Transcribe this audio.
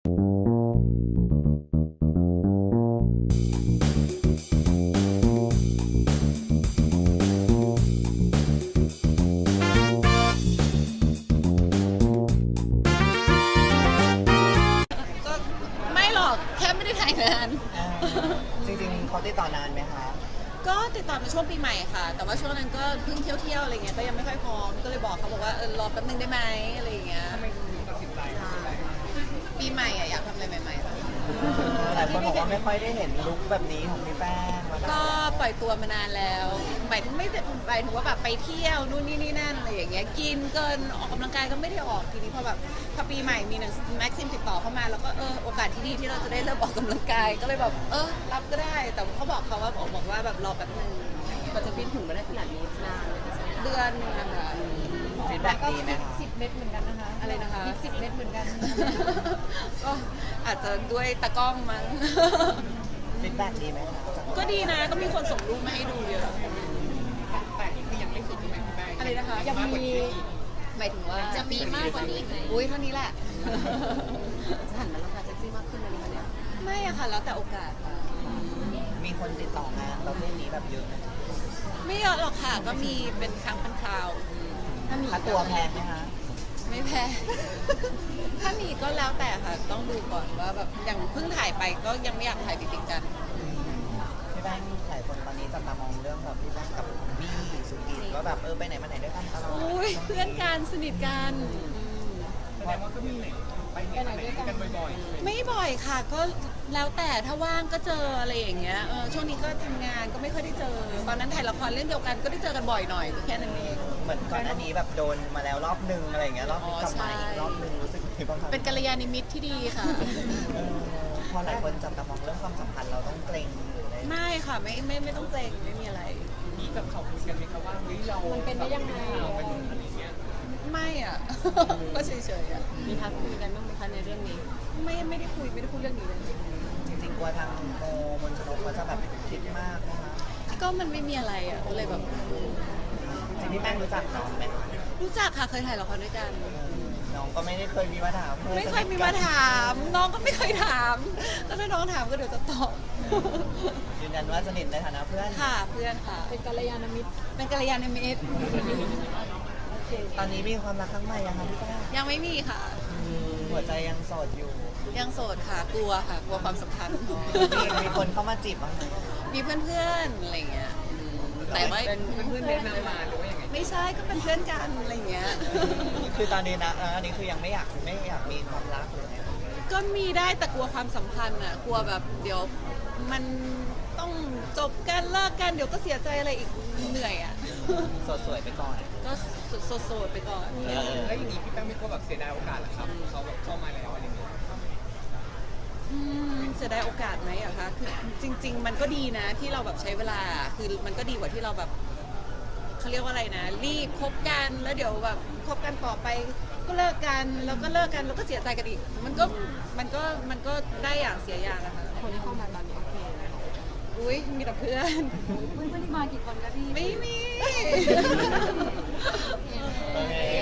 ก็ไม่หรอกแค่ไม่ได้ถ่ายงานจริงๆเขาติดต่อนานไหมคะก็ติดต่อมาช่วงปีใหม่ค่ะแต่ว่าช่วงนั้นก็เพิ่งเที่ยวอะไรเงี้ยก็ยังไม่ค่อยพร้อมก็เลยบอกเขาบอกว่ารอแป๊บนึงได้ไหมอะไรอย่างเงี้ยปีใหม่อะอยากทำอะไรใหม่ๆค่ะหลายคนบอกว่าไม่ค่อยได้เห็นลุคแบบนี้ของพี่แป้งมาก็ปล่อยตัวมานานแล้วหมายถึงไม่ได้หมายถึงว่าแบบไปเที่ยวนู่นนี่นั่นอะไรอย่างเงี้ยกินเกินออกกำลังกายก็ไม่ได้ออกทีนี้พอแบบพอปีใหม่มีหนังแม็กซิมติดต่อเข้ามาแล้วก็โอกาสที่ดีที่เราจะได้เริ่มออกกำลังกายก็เลยแบบรับก็ได้แต่เขาบอกเขาว่าบอกว่าแบบรอแป๊บนึงกว่าจะฟิตถึงมาได้ขนาดนี้นานเลยนะเดือนนึงนะคะฟีดแบ็กดีไหมคะ 10 เม็ดเหมือนกันนะคะอะไรนะคะ 10 เม็ดเหมือนกันก็อาจจะด้วยตากล้องมั้งฟีดแบ็กดีไหมคะก็ดีนะก็มีคนส่งรูปมาให้ดูเยอะแต่นี่คือยังไม่สุดใช่ไหมพี่แป้งอะไรนะคะยังมีหมายถึงว่าจะมีมากกว่านี้ไหมอุ้ยเท่านี้แหละจะหันมาราคาเซ็กซี่มากขึ้นไหมคะเนี่ยไม่อะค่ะแล้วแต่โอกาสค่ะมีคนติดต่องานประเภทนี้แบบเยอะไหมไม่เยอะหรอกค่ะก็มีเป็นครั้งเป็นคราวถ้ามีค่าตัวแพงไหมคะไม่แพ้ ถ้ามีก็แล้วแต่ค่ะต้องดูก่อนว่าแบบอย่างเพิ่งถ่ายไปก็ยังไม่อยากถ่ายติดๆกันพี่แป้งหลายคนตอนนี้จับตามองเรื่องแบบพี่แป้งกับบี้สุกินว่าแบบไปไหนมาไหนด้วยกันตลอดอุ้ยเพื่อนกันสนิทกันอืมแสดงว่าก็มีไหนไปไหนด้วยกันบ่อยๆไม่บ่อยค่ะก็แล้วแต่ถ้าว่างก็เจออะไรอย่างเงี้ยช่วงนี้ก็ทำงานก็ไม่ค่อยได้เจอตอนนั้นถ่ายละครเรื่องเดียวกันก็ได้เจอกันบ่อยหน่อยก็แค่นั้นเองเหมือนก่อนหน้านี้แบบโดนมาแล้วรอบนึงอะไรอย่างเงี้ยรอบอ๋อกลับมาอีกใช่รอบนึงรู้สึกยังไงบ้างคะเป็นกัลยาณมิตรที่ดีค่ะเออพอหลายคนจับตามองเรื่องความสัมพันธ์เราต้องเกรงหรืออะไรไม่ค่ะไม่ต้องเกรงไม่มีอะไรมีกับเขาคุยกันไหมครับว่าเฮ้ยเรามันเป็นได้ยังไงเราเป็นอะไรอย่างเงี้ยไม่อ่ะ ก็เฉยๆอ่ะมีทักคุยกันบ้างไหมคะในเรื่องนี้ไม่ได้คุยเรื่องนี้เลยจริงๆกลัวทางโมมนชนกเขาจะแบบคิดมากนะคะก็มันไม่มีอะไรอ่ะก็เลยแบบจริงๆพี่แป้งรู้จักน้องไหมรู้จักค่ะเคยถ่ายละครด้วยกันน้องก็ไม่ได้เคยมีมาถามไม่เคยมีมาถามน้องก็ไม่เคยถามก็ถ้าน้องถามก็เดี๋ยวจะตอบยืนยันว่าสนิทในฐานะเพื่อนค่ะเพื่อนค่ะเป็นกัลยาณมิตรเป็นกัลยาณมิตรโอเคตอนนี้มีความรักครั้งใหม่ยังคะพี่แป้งยังไม่มีค่ะหัวใจยังโสดอยู่ยังโสดค่ะกลัวค่ะกลัวความสัมพันธ์มีคนเข้ามาจีบบ้างไหมมีเพื่อนๆอะไรเงี้ยแต่ว่าเป็นเพื่อนแนะนำมาหรือว่ายังไงไม่ใช่ก็เป็นเพื่อนกันอะไรเงี้ยคือตอนนี้นะอันนี้คือยังไม่อยากมีความรักเลยก็มีได้แต่กลัวความสัมพันธ์อ่ะกลัวแบบเดี๋ยวมันต้องจบกันเลิกกันเดี๋ยวก็เสียใจอะไรอีกเหนื่อยอ่ะโสดสวยไปก่อนก็โสดๆไปก่อนแล้วอย่างนี้พี่แป้งไม่กลัวแบบเสียดายโอกาสเหรอครับเขาแบบเข้ามาแล้วอะไรอย่างเงี้ยเสียดายโอกาสไหมอะคะคือจริง ๆ มันก็ดีนะที่เราแบบใช้เวลาคือมันก็ดีกว่าที่เราแบบเขาเรียกว่าอะไรนะรีบคบกันแล้วเดี๋ยวแบบคบกันต่อไปก็เลิกกันแล้วก็เลิกกันแล้วก็เสียใจกันอีกมันก็ได้อย่างเสียอย่างอะค่ะคนที่เข้ามาตอนนี้โอเคไหมคะอุ้ยมีแต่เพื่อนเพื่อนที่มากี่คนคะพี่ไม่มีโอเค